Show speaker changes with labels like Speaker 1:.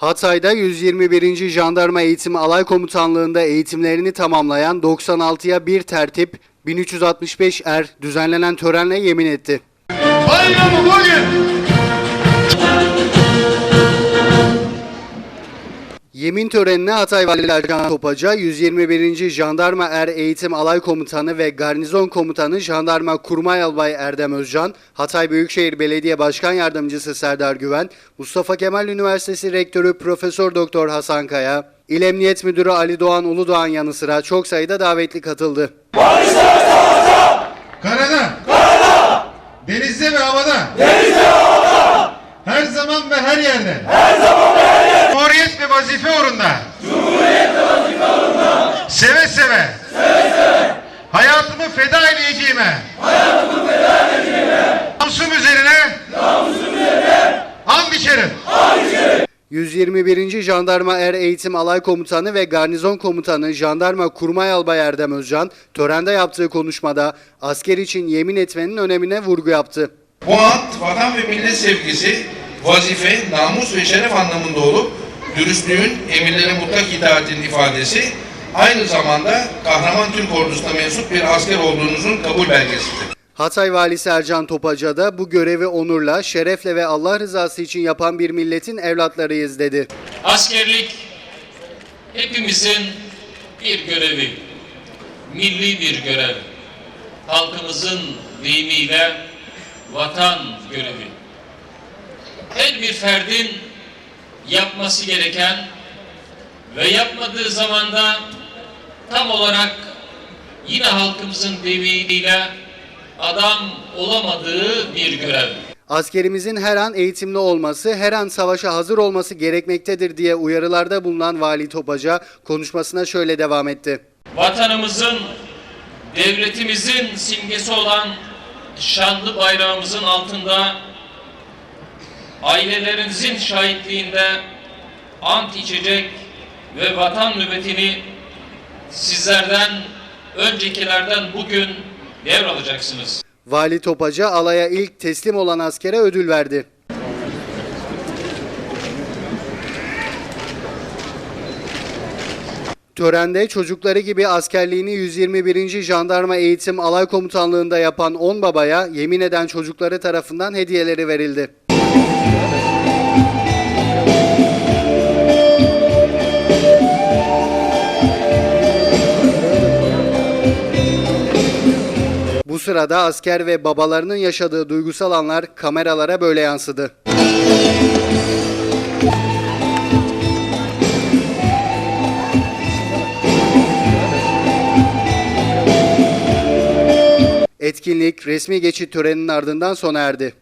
Speaker 1: Hatay'da 121. Jandarma Eğitim Alay Komutanlığı'nda eğitimlerini tamamlayan 96'ya 1 tertip 1365 er düzenlenen törenle yemin etti.
Speaker 2: Bayramı bugün.
Speaker 1: Yemin törenine Hatay Valisi Ercan Topaca, 121. Jandarma Er Eğitim Alay Komutanı ve Garnizon Komutanı Jandarma Kurmay Albay Erdem Özcan, Hatay Büyükşehir Belediye Başkan Yardımcısı Serdar Güven, Mustafa Kemal Üniversitesi Rektörü Profesör Doktor Hasan Kaya, İl Emniyet Müdürü Ali Doğan Uludoğan yanı sıra çok sayıda davetli katıldı.
Speaker 2: Karada, denizde ve havada, her zaman ve her yerde, Cumhuriyet ve vazife uğrunda, seve seve, hayatımı feda edeceğime, namusum üzerine, and içerim.
Speaker 1: 121. Jandarma Er Eğitim Alay Komutanı ve Garnizon Komutanı Jandarma Kurmay Albay Erdem Özcan, törende yaptığı konuşmada asker için yemin etmenin önemine vurgu yaptı.
Speaker 3: Bu ant, vatan ve millet sevgisi, vazife, namus ve şeref anlamında olup, dürüstlüğün, emirlere mutlak itaatin ifadesi, aynı zamanda kahraman Türk ordusuna mensup bir asker olduğunuzun kabul belgesidir.
Speaker 1: Hatay Valisi Ercan Topaca da bu görevi onurla, şerefle ve Allah rızası için yapan bir milletin evlatlarıyız dedi.
Speaker 4: Askerlik hepimizin bir görevi, milli bir görev, halkımızın deyimiyle vatan görevi. Her bir ferdin yapması gereken ve yapmadığı zaman da tam olarak yine halkımızın deyimiyle adam olamadığı bir görev.
Speaker 1: Askerimizin her an eğitimli olması, her an savaşa hazır olması gerekmektedir diye uyarılarda bulunan Vali Topaca konuşmasına şöyle devam etti.
Speaker 4: Vatanımızın, devletimizin simgesi olan şanlı bayrağımızın altında ailelerinizin şahitliğinde ant içecek ve vatan nöbetini sizlerden, öncekilerden bugün devralacaksınız.
Speaker 1: Vali Topaca alaya ilk teslim olan askere ödül verdi. Törende çocukları gibi askerliğini 121. Jandarma Eğitim Alay Komutanlığı'nda yapan 10 babaya yemin eden çocukları tarafından hediyeleri verildi. Bu sırada asker ve babalarının yaşadığı duygusal anlar kameralara böyle yansıdı. Etkinlik resmi geçit töreninin ardından sona erdi.